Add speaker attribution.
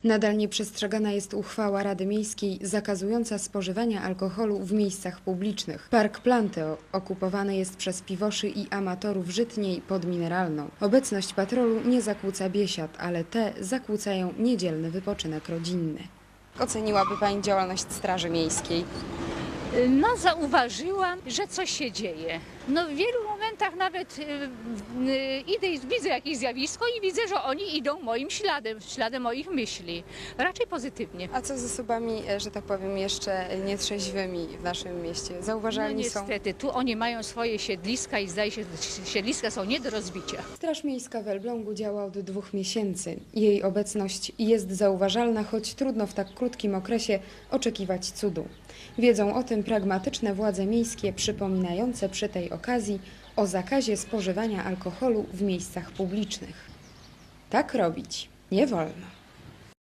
Speaker 1: Nadal nieprzestrzegana jest uchwała Rady Miejskiej zakazująca spożywania alkoholu w miejscach publicznych. Park Planteo okupowany jest przez piwoszy i amatorów żytniej pod Mineralną. Obecność patrolu nie zakłóca biesiad, ale te zakłócają niedzielny wypoczynek rodzinny. Oceniłaby Pani działalność Straży Miejskiej?
Speaker 2: No, zauważyłam, że coś się dzieje. No, w wielu momentach nawet idę i widzę jakieś zjawisko i widzę, że oni idą moim śladem moich myśli. Raczej pozytywnie.
Speaker 1: A co z osobami, że tak powiem, jeszcze nietrzeźwymi w naszym mieście? Zauważalni
Speaker 2: No
Speaker 1: są?
Speaker 2: niestety, tu oni mają swoje siedliska i zdaje się, że siedliska są nie do rozbicia.
Speaker 1: Straż Miejska w Elblągu działa od 2 miesięcy. Jej obecność jest zauważalna, choć trudno w tak krótkim okresie oczekiwać cudu. Wiedzą o tym pragmatyczne władze miejskie, przypominające przy tej okazji o zakazie spożywania alkoholu w miejscach publicznych. Tak robić nie wolno.